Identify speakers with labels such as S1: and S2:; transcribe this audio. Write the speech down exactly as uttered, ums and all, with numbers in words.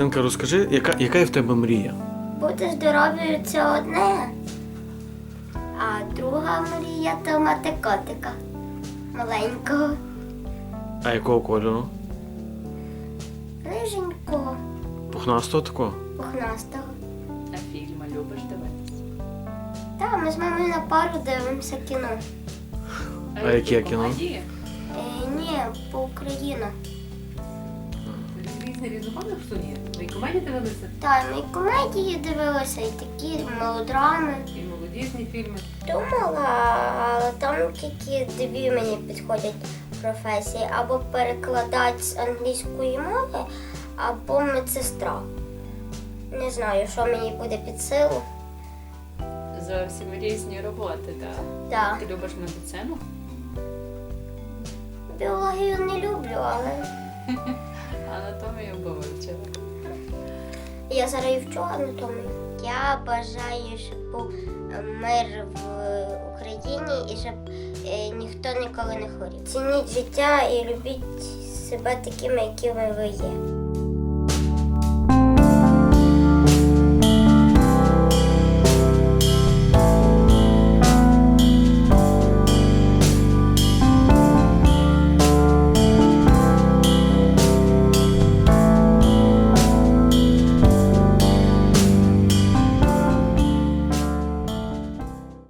S1: Маринка, розкажи, яка, яка є в тебе мрія?
S2: Бути здоровою це одне, а друга мрія то мати котика маленького,
S1: А якого кольору?
S2: риженького,
S1: Пухнастого такого?
S2: пухнастого.
S3: А фільми любиш дивитися?
S2: Так, ми з мамою на пару дивимося кіно.
S1: А яке кіно?
S3: Комедії?
S2: Е, ні, по Україну.
S3: Різні різноманітних судів. Ви і комедії дивилися,
S2: Так, ми і комедії дивилися, і такі мелодрами.
S3: і молодіжні фільми.
S2: Думала, але там тільки дві мені підходять професії. Або перекладач з англійської мови, або медсестра. Не знаю, що мені буде під силу.
S3: Зовсім різні роботи, так?
S2: Так.
S3: Ти любиш медицину?
S2: Біологію не люблю, але
S3: Анатомію би вивчила.
S2: я зараз і вчу анатомію. Я бажаю, щоб був мир в Україні і щоб е, ніхто ніколи не хворів. Цініть життя і любіть себе такими, якими ви є.